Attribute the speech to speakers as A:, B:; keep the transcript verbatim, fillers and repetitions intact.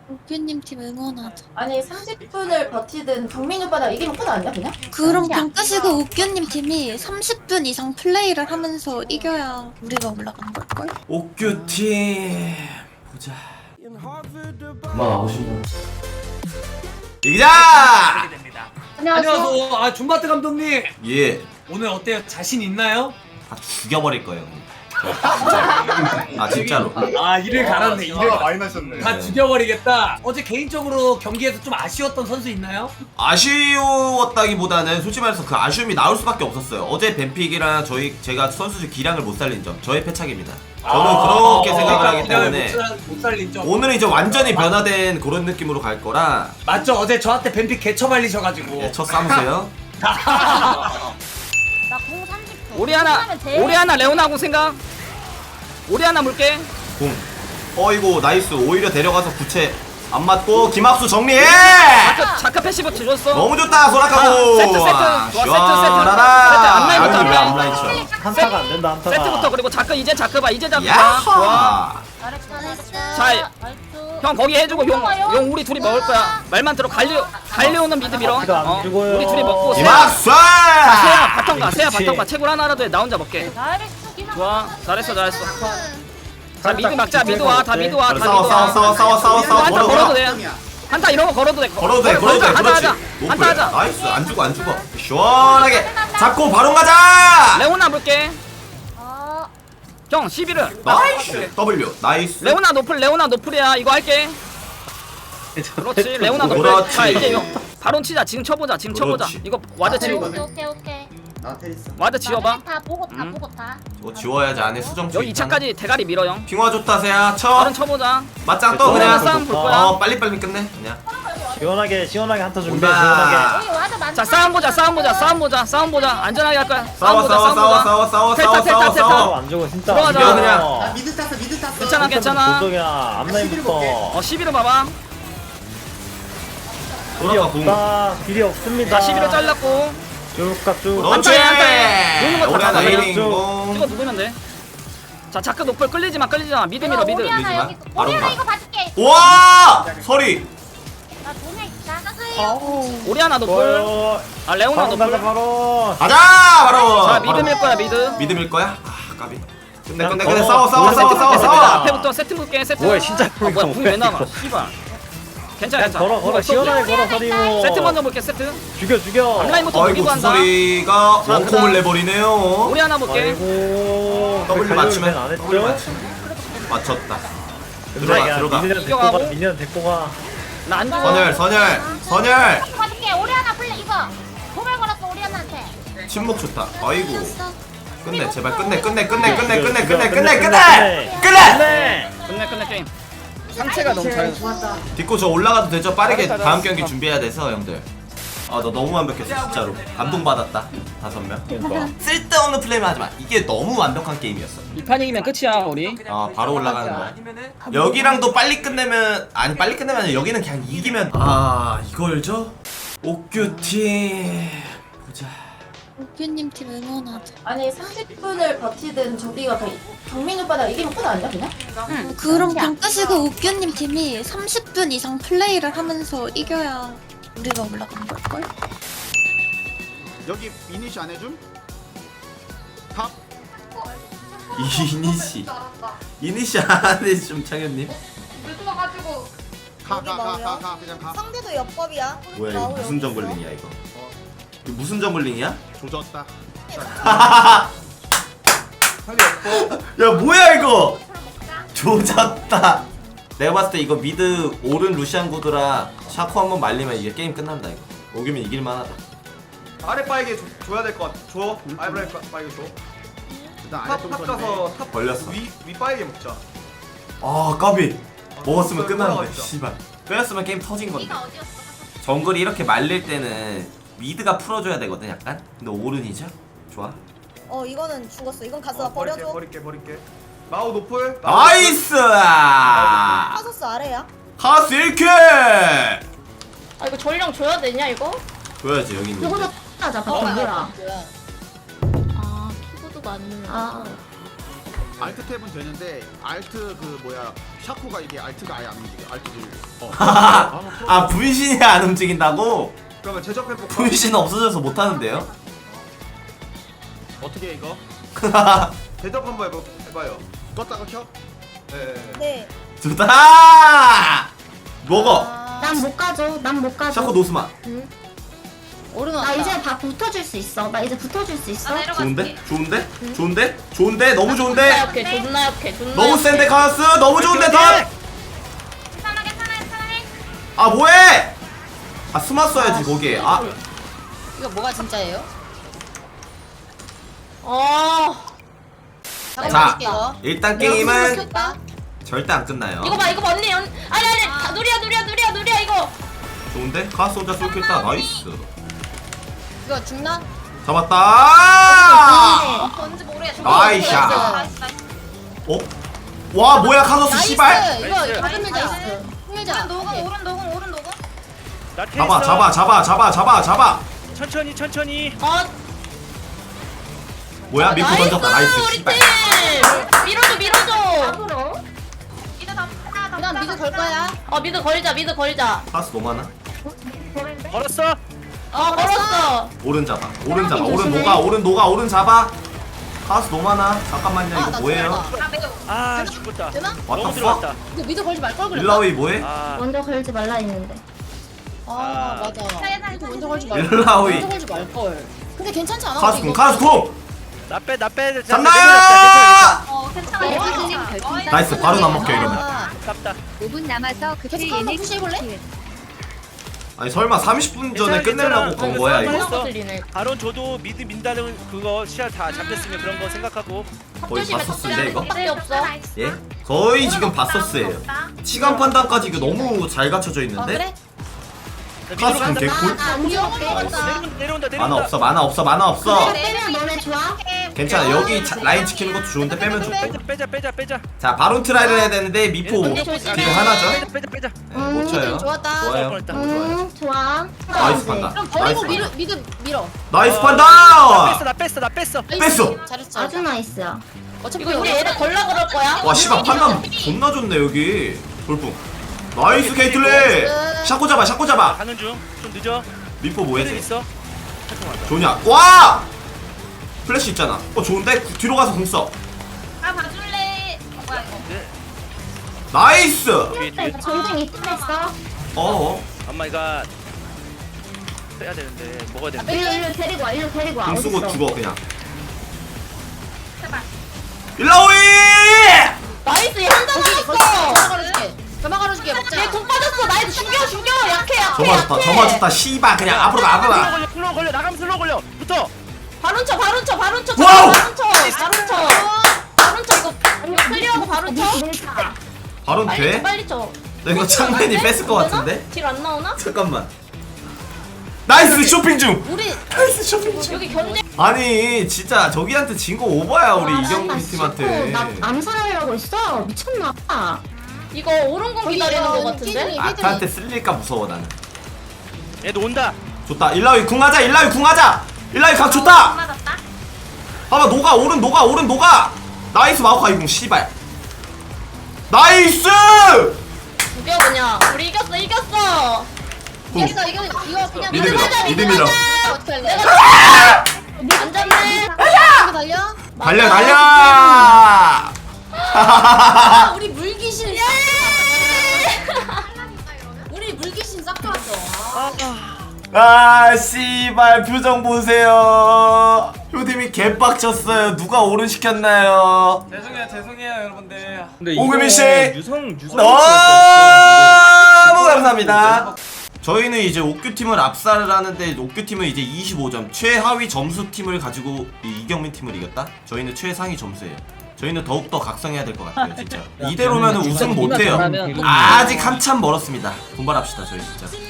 A: 옥규님 팀 응원하자.
B: 아니 삼십 분을 버티든 경민 오빠가 이기면 끝 아니야 그냥?
A: 그럼 방 끄시고 옥규님 팀이 삼십 분 이상 플레이를 하면서 이겨야 우리가 올라간 걸걸?
C: 옥규팀 보자. 그만 나오시면 이기자!
B: 안녕하세요.
D: 안녕하세요. 아 준바트 감독님.
C: 예,
D: 오늘 어때요? 자신 있나요?
C: 다 죽여버릴 거예요. 진짜. 아 진짜로.
D: 아 이를 갈았네. 이를 가-
E: 많이 나셨네.
D: 다 죽여버리겠다. 어제 개인적으로 경기에서 좀 아쉬웠던 선수 있나요?
C: 아쉬웠다기보다는 솔직히 말해서 그 아쉬움이 나올 수밖에 없었어요. 어제 벤픽이랑 저희 제가 선수들 기량을 못 살린 점 저의 패착입니다. 저는 그렇게 생각을 하기 때문에
D: 못, 살, 못 살린 점.
C: 오늘은 이제 완전히 변화된 그런 느낌으로 갈 거라.
D: 맞죠? 어제 저한테 벤픽 개처 발리셔가지고.
C: 예, 첫 싸우세요.
B: 나공 삼십 분.
F: 오리아나 오리아나 레오나공 생각. 오리아나 물게.
C: 공. 어이구 나이스. 오히려 데려가서 구체 안 맞고 김학수 정리해.
F: 자크 자크 패시브 줬어.
C: 너무 좋다 소라카고.
F: 아, 세트, 세트. 좋아, 세트, 세트.
C: 시원하다.
F: 세트, 앞라인부터,
C: 아유, 왜
F: 앞라인.
C: 앞라인 쳐.
E: 한타가 안 된다 한타가.
F: 세트부터 그리고 자크 이제 자크 봐 이제 자크 봐. 좋아.
C: 야하.
B: 잘했어 잘했어.
F: 자, 형 거기 해주고 용, 용 우리 둘이 먹을 거야. 말만 들어 갈리 갈리오는 미드 밀어.
E: 자크가 안
F: 어,
E: 죽어요.
F: 우리 둘이 먹고 세야
C: 김학수.
F: 세야 바텀 가 세야
E: 그렇지.
F: 바텀 가 채굴 하나라도 해. 나 혼자 먹게.
B: 잘했어.
F: 좋아 잘했어 잘했어. 자 미드 막자 미드 와 다 미드 와 다 미드
C: 싸워 싸워
F: 와.
C: 싸워 싸워 싸워 싸워.
F: 한타
C: 걸어,
F: 걸어도
C: 걸어.
F: 돼. 한타 이런 거 걸어도 돼.
C: 걸어도 돼 걸어도 돼.
F: 한타
C: 그렇지.
F: 하자. 한타
C: 노플.
F: 하자.
C: 나이스. 안 죽어 안 죽어. 시원하게 잡고 바로 가자.
F: 레오나 볼게.
B: 어.
F: 형 십일을.
C: 나이스. W. 나이스.
F: 레오나 노플 레오나 노플이야 이거 할게. 그렇지 레오나 노플.
C: 그렇지.
F: 자 이제 용 바론 치자 지금 쳐보자 지금 쳐보자.
C: 그렇지.
F: 이거 와드
B: 오케이
F: 치고
B: 오케이 오케이.
F: 와드 지워봐.
B: 다 보고 다
F: 음.
B: 보고 다.
C: 이거 지워야지 안에 수정.
F: 여기 이 차까지 대가리 밀어 형.
C: 핑화 좋다 세야 쳐.
F: 바론 쳐보자.
C: 맞짱 떠
F: 오늘은
C: 그냥.
F: 싸움 볼 거야.
C: 어 빨리 빨리 끝내 그냥.
E: 시원하게 시원하게 한타 준비해.
C: 온다.
E: 시원하게.
B: 여기 와도 많다.
F: 자 싸움 보자 싸움 보자 싸움 보자 싸움 보자 안전하게 할 거야.
C: 싸워
F: 보자
C: 싸워 싸워
F: 보자.
C: 싸워 싸워
F: 텔타,
C: 싸워
F: 텔타,
C: 싸워
F: 텔타.
C: 싸워.
E: 안 죽어 진짜.
F: 들어가자.
C: 이겨, 그냥.
G: 미드 탔어 미드 탔어
F: 괜찮아 괜찮아.
E: 도덕이야 앞라인부터.
F: 어 십일을 봐봐.
E: 길이
C: 돌아가 공.
E: 없다. 길이 없습니다.
F: 자 십일을 잘랐고
E: 쭉가 쭉.
C: 그렇지.
F: 한타에, 한타에. 노는 거다
C: 우리 하나
F: 잡아요.
C: 에이링
E: 쭉.
C: 공.
F: 찍어 누르면 돼. 자 자크 노플 끌리지 마 끌리지 마 미드 밀어 미드.
B: 오리아나
C: 밀지 마.
B: 여기.
C: 바로
B: 오리아나
C: 가.
B: 이거 봐줄게.
C: 와 서리.
B: 나 돈에 있다.
F: 오리아나 노플.
E: 좋아요.
F: 아 레오나
E: 바로 가자
F: 노플.
E: 바로.
C: 가자 바로.
F: 자 미드 밀 거야 미드.
C: 믿음일 거야? 아 까비. 근데 근데
E: 그냥
C: 근데
E: 걸어.
C: 싸워 싸워
E: 우리
C: 싸워
E: 세트
C: 싸워
E: 세트
C: 싸워.
E: 세트.
F: 앞에부터 세트 볼게 세트.
E: 뭐야, 진짜
F: 아, 뭐야
E: 이거
F: 궁 왜
E: 뭐야,
F: 나와?
E: 이거.
F: 씨발. 괜찮아
E: 야
F: 괜찮아.
E: 걸어 걸어 시원하게 걸어 서리오.
F: 세트 먼저 볼게 세트.
E: 죽여 죽여.
F: 앞라인부터
C: 아이고
F: 녹이고 한다.
C: 구소리가
F: 자,
C: 원콤을
F: 그다음.
C: 내버리네요.
F: 우리 하나 볼게.
E: 아이고.
C: W 맞추면
E: 안
C: W
E: 했죠?
C: 맞추면 맞췄다.
E: 들어가
C: 들어가, 들어가.
E: 미니언 데리고
F: 이겨가고.
E: 가. 미니언 데리고 가.
F: 나안 죽어.
C: 선열 선열 선열.
B: 이거 봐줄게. 오리아나 플레이 이거. 도발 걸었어 오리아나한테.
C: 침묵 좋다. 아이고
A: 쳤어.
C: 끝내 제발 끝내 끝내 끝내 끝내 끝내
E: 죽여,
C: 끝내
E: 죽여,
C: 끝내
E: 끝내,
C: 끝내 끝내.
E: 네.
F: 끝내 끝내 게임. 상체가 너무 잘.
C: 딛고 저 올라가도 되죠? 빠르게
F: 잘했다,
C: 다음
F: 잘했어.
C: 경기 준비해야 돼서 형들. 아 너 너무 완벽했어 진짜로. 감동받았다 다섯 명.
E: 그러니까.
C: 쓸데없는 플레이만 하지 마. 이게 너무 완벽한 게임이었어.
F: 이 판 이기면 끝이야 우리.
C: 아 바로 올라가는 거야. 여기랑도 빨리 끝내면 아니 빨리 끝내면 아니라 여기는 그냥 이기면 아 이걸죠? 옥규팀 보자.
A: 옥규님 팀 응원하자.
B: 아니 삼십 분을 버티든 저기가 그 경민 오빠가 이기면 끝 아니야 그냥?
A: 응. 그럼 방 끄시고 옥규님 팀이 삼십 분 이상 플레이를 하면서 이겨야 우리가 올라간 걸걸?
G: 여기 이니시 안 해줌? 탑?
C: 이니시 이니시 안해 좀 창현님.
G: 가 가 가 가 가 그냥 가
H: 상대도 옆법이야.
C: 뭐야 이거
H: 나오려.
C: 무슨 정글링이야 이거? 이거 무슨 정글링이야?
G: 조졌다
C: 야 뭐야 이거? 조졌다. 내가 봤을 때 이거 미드 오른 루시안 구드라 샤코 한번 말리면 이게 게임 끝난다 이거. 오기면 이길만하다.
I: 아래 바에게 줘, 줘야 될 것 같아. 줘. 아래 바에게 줘.
G: 일단 아래
I: 탑,
G: 좀
I: 탑
G: 쳤네.
I: 가서 탑
C: 걸렸어.
I: 위, 위 바에게 먹자.
C: 아 까비. 먹었으면
I: 어,
C: 끝나는데
I: 돌아가겠다.
C: 씨발. 빼앗으면 게임 터진 건데. 정글이 이렇게 말릴 때는 미드가 풀어줘야 되거든 약간. 근데 오른이죠? 좋아.
H: 어 이거는 죽었어. 이건 가서
I: 어, 버릴게,
H: 버려줘.
I: 버릴게, 버릴게. 마우 노플. 마우
C: 나이스!
H: 파서스 아래야.
C: 카스 일 킬!
B: 아 이거 전령 줘야 되냐 이거?
C: 줘야지 여기 있는.
B: 이거도 하자
H: 어,
B: 바텀이라.
H: 뭐야.
B: 아 키보드가 안 눌러. 아.
G: 알트 탭은 되는데 알트 그 뭐야 샤코가 이게 알트가 아예 안 움직여. 알트 어.
C: 아 분신이 안 움직인다고?
I: 그러면 제접해볼까?
C: 분신 없어져서 못하는데요?
I: 어떻게 해, 이거? 제접 한번 해봐, 해봐요.
G: 껐다가 켜?
I: 네.
H: 네.
C: 좋다! 먹어!
J: 난 못 가줘. 난 못 가줘.
C: 샤코 노스만.
A: 오른
J: 나
A: 왔다.
J: 이제 다 붙어줄 수 있어. 나 이제 붙어줄 수 있어.
C: 좋은데? 좋은데? 좋은데? 좋은데? 너무 좋은데?
F: 오케이 존나 약해 존나
C: 너무 센데 카라스! 너무 좋은데 덧!
J: 괜찮아 괜찮아 괜찮아.
C: 아 뭐해! 아 스마 써야지 거기에. 아
A: 이거 뭐가 진짜예요?
F: 어
C: 자,
A: 이거.
C: 일단 게임은
A: 켰다.
C: 절대 안 끝나요.
F: 이거 봐 이거 봐 언니 언 아니 아니 다 누리야 누리야 누리야 누리야 이거
C: 좋은데? 카라스 혼자 쏠 켰다. 나이스.
A: 이거 죽나?
C: 잡았다!
A: 뭔지 모르겠어.
C: 나이샤. 어? 와 뭐야 카소스 씨발!
A: 나이스. 이거 다른 밀자. 흥밀자.
B: 녹음 오른 녹음 오른 녹음.
E: 나 테이스.
C: 잡아 잡아 잡아 잡아 잡아 잡아!
E: 천천히 천천히.
F: 어
C: 뭐야 미포 던졌다. 나이스
F: 우리
C: 씨발.
F: 팀 밀어줘 밀어줘
J: 앞으로.
B: 이제 다 다.
A: 그다음 미드 걸 거야.
F: 어 미드 걸자 미드 걸자
C: 카라스 너무 많아?
E: 걸었어.
F: 어 걸었어
C: 오른 잡아 오른 잡아 오른 녹아 오른 녹아 오른 잡아. 카라스 너무 많아. 잠깐만요
A: 아,
C: 이거
A: 나
C: 뭐예요?
A: 죽었다.
B: 아 매우.
E: 아 죽었다.
A: 되나?
C: What
E: 너무
C: the
E: 들어갔다.
C: fuck?
A: 이거 미드 걸지 말 걸 그랬나?
C: 일라오이 뭐해?
E: 아
J: 먼저 걸지 말라 했는데.
A: 아 맞아. 이거 먼저 걸지 말.
C: 일라오이.
A: 먼저 걸지 말 걸. 근데 괜찮지 않아?
C: 카라스
A: 이거?
C: 공 카라스 공!
E: 나빼 나빼.
C: 잡나!
B: 어 괜찮아.
A: 어,
C: 나이스 바로 안 먹혀 이러면.
A: 아,
E: 깝다.
J: 오 분 남아서
A: 계속 한번 푸시해볼래?
C: 아니 설마 삼십 분 전에 끝내려고 건 거야 이거?
E: 있어.
F: 들리네
E: 바론 저도 미드 민다는 그거 시야 다 잡혔으면 그런 거 생각하고.
C: 거의 바서스인데 이거?
F: 밖에 없어
C: 예? 거의 지금 바서스예요. 시간 판단까지 이거 너무 잘 갖춰져
A: 아
C: 있는데?
A: 그래?
C: 카라스 공 개꿀?
A: 아 우리 영어 먹었다.
E: 내려온다 내려온다 내려온다.
C: 만화 없어 만화 없어 만화 없어.
J: 빼면 너네 좋아?
C: 괜찮아 여기 자- 라인 지키는 것도 좋은데 빼면 좋고.
E: 빼자 빼자 빼자.
C: 자 바론 트라이를 해야 되는데 미포
F: 얘네
C: 딜
F: 조심해.
C: 하나죠?
E: 빼자 빼자 빼자.
C: 네, 못 쳐요.
A: 좋았다.
C: 좋아요.
E: 뻔했다.
C: 너무 좋아요.
J: 음 좋아.
C: 나이스 판다.
A: 그럼
C: 나이스
A: 버리고 밀어,
C: 판다.
A: 미드 밀어.
C: 나이스
E: 나
C: 판다!
E: 뺐어 나 뺐어 나 뺐어.
C: 뺐어!
A: 잘했어.
J: 아주 나이스야.
A: 어차피
F: 이거 이제 얘네 걸라 그럴 거야
C: 와 씨발 판단 존나 좋네 여기. 돌풍. 나이스 케이틀린! 샤코 잡아 샤코 잡아!
E: 가는 중. 좀 늦어.
C: 미포
E: 헤드
C: 뭐해?
E: 있어.
C: 좋냐? 와! 플래시 있잖아. 어 좋은데? 구- 뒤로 가서 공 써.
B: 아 봐줄래. 어, 뭐야 이거.
E: 네.
C: 나이스!
E: 뒤에 뒤에.
J: 전쟁 이틀했어.
C: 어어.
E: 엄마 이거 빼야 되는데 먹어야 되는데.
J: 일로 일로 데리고 와. 일로 데리고 와.
C: 공 쓰고
J: 어딨어?
C: 죽어 그냥.
B: 제발.
C: 일라오이!
F: 나이스 얘 한잔
A: 점화
F: 남았어
A: 걸어줄게. 점화 걸어줄게. 먹자.
F: 얘공 빠졌어 나이스 죽여 죽여 약해 약해
C: 저마 좋다 저마 좋다 씨발 그냥 앞으로 가 앞으로
E: 슬로우
C: 가.
E: 걸려 슬로우 걸려 나가면 슬로우 걸려. 붙어.
F: 바론 쳐 바론 쳐 바론 쳐
C: 와우!
F: 바론 쳐 바론 쳐 바론 쳐 이거 이거 클리어하고 바론 쳐
J: 밀자.
C: 바론
F: 빨리
C: 돼?
F: 쳐 빨리 쳐
C: 나 이거 창맨이 뺐을 것 같은데?
F: 딜안 나오나?
C: 잠깐만. 나이스 쇼핑 중!
A: 우리
C: 나이스 쇼핑 중!
F: 여기 견제
C: 아니 진짜 저기한테 진 거 오버야 우리
J: 아,
C: 이경민
J: 나
C: 팀한테.
J: 나 암살하려고 했어. 미쳤나 봐.
F: 이거 오른공 기다리는 거 같은데?
C: 아타한테 쓸릴까 무서워 나는.
E: 얘도 온다.
C: 좋다 일라위 궁하자 일라위 궁하자 일라위 각 좋다.
B: 맞았다.
C: 봐봐 녹아 오른 녹아 오른 녹아. 나이스 마오카이 궁 씨발. 나이스!
F: 죽여 그냥 우리 이겼어 이겼어
C: 궁.
A: 이거 이거 이거 그냥
C: 미드 밀어
F: 가자,
C: 미드
F: 미드
C: 밀어.
F: 가자.
A: 어떻게 할래?
F: 안 잡네
A: 이거 달려?
C: 달려 달려!
A: 아, 우리 물귀신. 우리 물귀신 싹 들었어.
C: 아 씨발 표정 보세요. 효dim이 개빡쳤어요. 누가 오른 시켰나요?
D: 죄송해요 죄송해요 여러분들
C: 오금민 씨
E: 유성 유성.
C: 너무 감사합니다. 저희는 이제 옥규 팀을 압살을 하는데 옥규 팀은 이제 이십오 점 최하위 점수 팀을 가지고 이 이경민 팀을 이겼다. 저희는 최상위 점수예요. 저희는 더욱더 각성해야 될 것 같아요 진짜. 이대로면 우승 못해요. 아직 한참 멀었습니다. 분발합시다 저희 진짜.